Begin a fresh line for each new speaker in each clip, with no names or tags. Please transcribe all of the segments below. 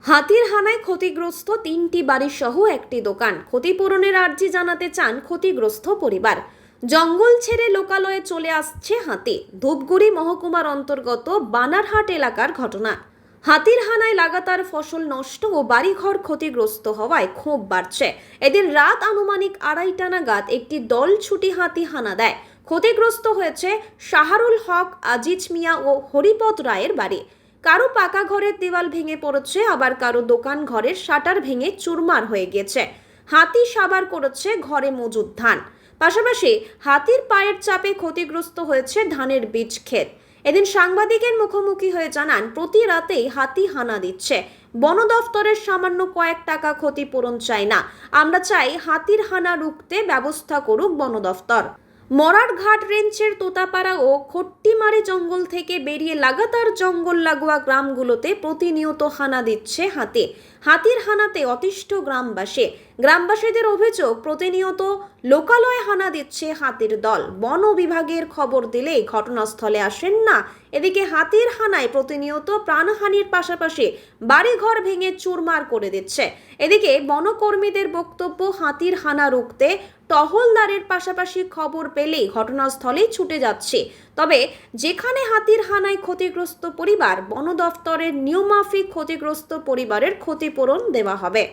হাতির হানায় ক্ষতিগ্রস্ত 3টি বাড়ি সহ একটি দোকান। ক্ষতিপূরণের আর্জি জানাতে চান ক্ষতিগ্রস্ত পরিবার। জঙ্গল ছেড়ে লোকালয়ে চলে আসছে হাতি। ধূপগুড়ি মহকুমার অন্তর্গত বানারহাট এলাকার ঘটনা। হাতির হানায় লাগাতার ফসল নষ্ট ও বাড়িঘর ক্ষতিগ্রস্ত হওয়ায় ক্ষোভ বাড়ছে। এদিন রাত আনুমানিক 2:30 নাগাদ একটি দল ছুটি হাতি হানা দেয়। ক্ষতিগ্রস্ত হয়েছে শাহরুল হক, আজিজ মিয়া ও হরিপদ রায়ের বাড়ি। কারো পাকা ঘরের দেওয়াল ভেঙে পড়েছে, আবার কারো দোকান ঘরের শাটার ভেঙে চুরমার হয়ে গেছে। হাতি সাবার করেছে ঘরে মজুদ ধান। পাশাপাশি হাতির পায়ের চাপে ক্ষতিগ্রস্ত হয়েছে ধানের বীজ ক্ষেত। এদিন সাংবাদিকের মুখোমুখি হয়ে জানান, প্রতি রাতেই হাতি হানা দিচ্ছে। বন দফতরের সামান্য কয়েক টাকা ক্ষতিপূরণ চাই না, আমরা চাই হাতির হানা রুখতে ব্যবস্থা করুক বন দফতর। মরারঘাট রেঞ্জের তোতাপাড়া ও খট্টিমারি জঙ্গল থেকে বেরিয়ে লাগাতার জঙ্গল লাগোয়া গ্রামগুলোতে প্রতিনিয়ত হানা দিচ্ছে হাতি। হাতির হানাতে অতিষ্ঠ গ্রামবাসীদের অভিযোগ, প্রতিনিয়ত লোকালয়ে হানা দিচ্ছে হাতির দল। বন বিভাগের খবর দিলেই ঘটনাস্থলে আসেন না। এদিকে হাতির হানায় প্রতিনিয়ত প্রাণহানির পাশাপাশি বাড়িঘর ভেঙে চুরমার করে দিচ্ছে। এদিকে বনকর্মীদের বক্তব্য, হাতির হানা রুখতে টহলদারের পাশাপাশি খবর পেলেই ঘটনাস্থলেই ছুটে যাচ্ছে। তবে যেখানে হাতির হানায় ক্ষতিগ্রস্ত পরিবার, বন দফতরের নিয়মমাফিক ক্ষতিগ্রস্ত পরিবারের ক্ষতিপূরণ দেওয়া হবে।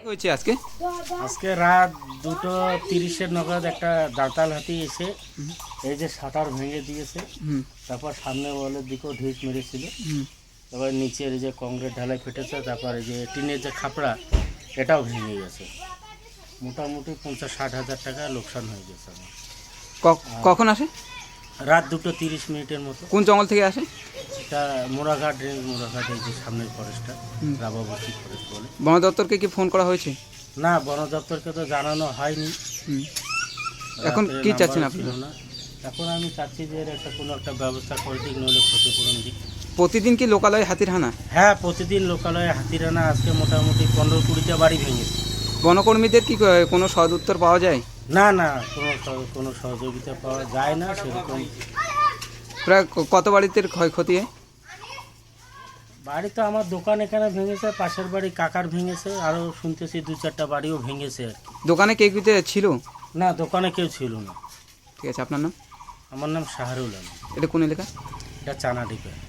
আজকে রাত 2:30 নাগাদ একটা দাঁতাল হাতি এসে এই যে শাটার ভেঙে দিয়েছে। তারপর সামনে ওয়ালের দিকেও ঢিস মেরেছিল। তারপর নিচের এই যে কংক্রিট ঢালাই ফেটেছে। তারপর এই যে টিনের যে খাপড়া এটাও ভেঙে গেছে। মোটামুটি 50-60 হাজার টাকা লোকসান হয়ে গেছে আমার।
কখন আসে?
রাত 2:30 মতো।
কোন জঙ্গল থেকে আসে?
এটা মোরাঘাট রেঞ্জ, মোরাঘাট এই যে সামনের ফরেস্টটা, রাবাবতী ফরেস্ট বলে।
বন দপ্তরকে কি ফোন করা হয়েছে?
না, বন দপ্তরকে তো জানানো হয়নি।
এখন কি চাচ্ছেন আপনি?
এখন আমি চাচ্ছি যে এর কোনো একটা ব্যবস্থা করে দিক, নইলে ক্ষতিপূরণ দিক।
প্রতিদিন কি লোকালয়ে হাতির হানা?
হ্যাঁ, প্রতিদিন লোকালয়ে হাতির হানা। আজকে মোটামুটি 15-20টা বাড়ি ভেঙেছে।
বনকর্মীদের কি কোনো সদ উত্তর পাওয়া যায়?
না, কোনো সহযোগিতা পাওয়া যায় না সেরকম।
প্রায় কত বাড়িতে ক্ষয়ক্ষতি হয়?
বাড়ি তো আমার দোকান এখানে ভেঙেছে, পাশের বাড়ি কাকার ভেঙেছে, আরও শুনতেছি 2-4টা বাড়িও ভেঙেছে আর কি।
দোকানে কে ছিল?
না, দোকানে কেউ ছিল না।
ঠিক আছে, আপনার নাম?
আমার নাম শাহরুল আলম।
এটা কোন এলাকা?
এটা চানাডিপা।